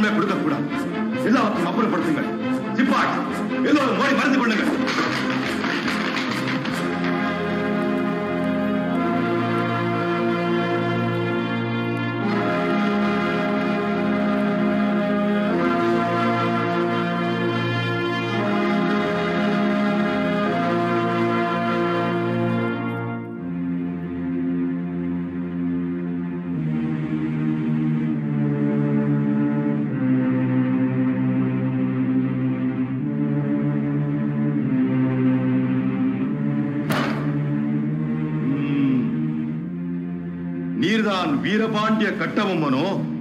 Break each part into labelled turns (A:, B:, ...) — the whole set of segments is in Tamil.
A: எதுவுமே கொடுக்க கூடாது. எல்லாத்தையும் அப்புறப்படுத்துங்கள். சிப்பாய் எல்லோரும் ஓடி மறைந்து கொள்ளுங்கள். நீர்தான் வீரபாண்டிய கட்டபொம்மனோ?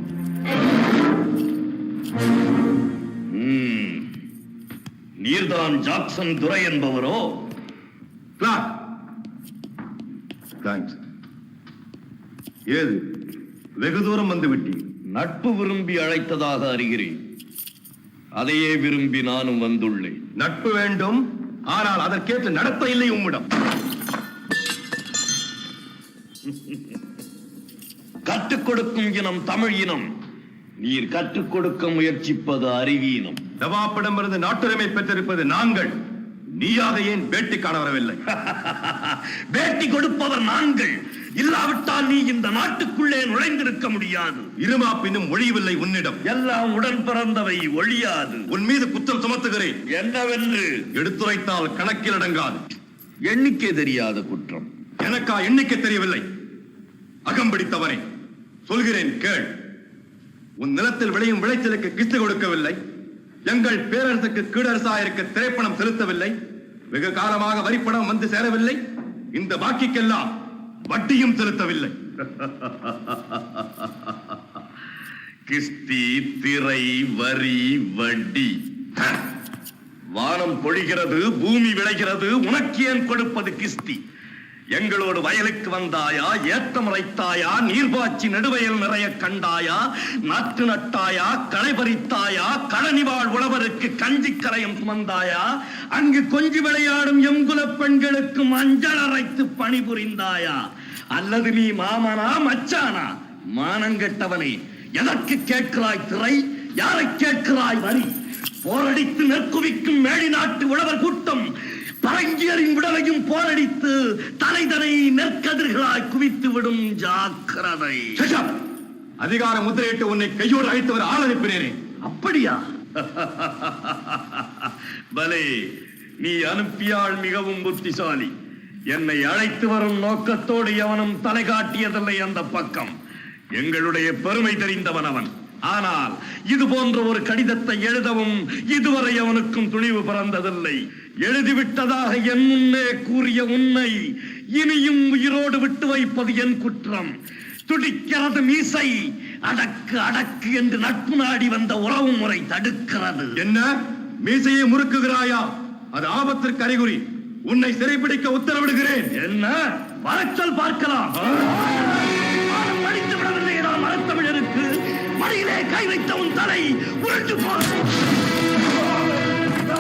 B: நீர்தான் ஜாக்சன் துரை என்பவரோ?
A: தேங்க்ஸ். ஏது வெகு தூரம் வந்து விட்டீர்?
B: நட்பு விரும்பி அழைத்ததாக அறிகிறேன். அதையே விரும்பி நானும் வந்துள்ளேன்.
A: நட்பு வேண்டும், ஆனால் அதற்கேற்ற நடத்த இல்லை உம்மிடம்.
B: கற்றுக் கொடுக்கும் இனம் தமிழ் இனம். நீர் கற்றுக் கொடுக்க முயற்சிப்பது அறிவீனம்.
A: நவாப்பிடமிருந்து நாட்டுரிமை பெற்றிருப்பது நாங்கள். நீயாக ஏன் பேட்டி காண வரவில்லை?
B: பேட்டி கொடுப்பவர் நாங்கள். இல்லாவிட்டால் நீ இந்த நாட்டுக்குள்ளே நுழைந்திருக்க முடியாது.
A: இருமாப்பினும் ஒழியவில்லை உன்னிடம்.
B: எல்லாம் உடன் பிறந்தவை, ஒழியாது.
A: உன் மீது குற்றம் சுமத்துகிறேன்.
B: என்னவென்று
A: எடுத்துரைத்தால் கணக்கில் அடங்காது.
B: எண்ணிக்கை தெரியாத குற்றம்.
A: எனக்கா எண்ணிக்கை தெரியவில்லை? அகம்பிடித்தவனே, சொல்கிறேன் கேள். உன் நிலத்தில் விளையும் விளைச்சலுக்கு கிஸ்து கொடுக்கவில்லை. எங்கள் பேரரசுக்கு கீழரசாயிருக்க திரைப்பணம் செலுத்தவில்லை. வெகு காலமாக வரிப்பணம் வந்து சேரவில்லை. இந்த பாக்கிக்கெல்லாம் வட்டியும் செலுத்தவில்லை.
B: கிஸ்தி, திரை, வரி, வட்டி. வானம் பொழிகிறது, பூமி விளைகிறது, உனக்கு ஏன் கொடுப்பது கிஸ்தி? எங்களோடு வயலுக்கு வந்தாயா? ஏத்தம் இறைத்தாயா? நீர்பாய்ச்சி நெடுவயல் நிறைய கண்டாயா? நாற்று நட்டாயா? களை பறித்தாயா? களனிவாழ் உழவருக்கு கஞ்சி கரையும் சுமந்தாயா? அங்கு கொஞ்சி விளையாடும் எங்குல பெண்களுக்கு மஞ்சள் அரைத்து பணிபுரிந்தாயா? அல்லது நீ மாமனா மச்சானா? மானங்கெட்டவனே, எதற்கு கேட்கிறாய் திரை? யாரை கேட்கிறாய் வரி? போரடித்து நெற்குவிக்கும் மேடி நாட்டு உழவர் கூட்டம் பரங்கியரின் விடலையும் போரடித்து தலைதனை நெற்கதிர்களாய் குவித்து விடும். ஜாக்கிரதை.
A: அதிகார முத்திரையிட்டு உன்னை கையோடு அழைத்தவர் ஆள் அனுப்பினேனே.
B: அப்படியா? பலே, நீ அனுப்பியால் மிகவும் புத்திசாலி. என்னை அழைத்து வரும் நோக்கத்தோடு எவனும் தலை காட்டியதில்லை அந்த பக்கம். எங்களுடைய பெருமை தெரிந்தவன் அவன். ஆனால் இது போன்ற ஒரு கடிதத்தை எழுதவும் இதுவரை அவனுக்கும் துணிவு பிறந்ததில்லை. எழுதிவிட்டதாக என் முன்னே கூறிய உன்னை இனியும் உயிரோடு விட்டு வைப்பது என் குற்றம். துடிக்கிறது மீசை. அடக்கு அடக்கு என்று நட்பு நாடி வந்த உறவு முறை தடுக்கிறது.
A: என்ன மீசையை முறுக்குகிறாயா? அது ஆபத்திற்கு அறிகுறி. உன்னை சிறைப்பிடிக்க உத்தரவிடுகிறேன்.
B: என்ன வரச்சல் பார்க்கலாம். படித்து விடவில்லை நான் மரத்தமிழருக்கு. மடியிலே கை வைத்த உன் தலை உருண்டு போன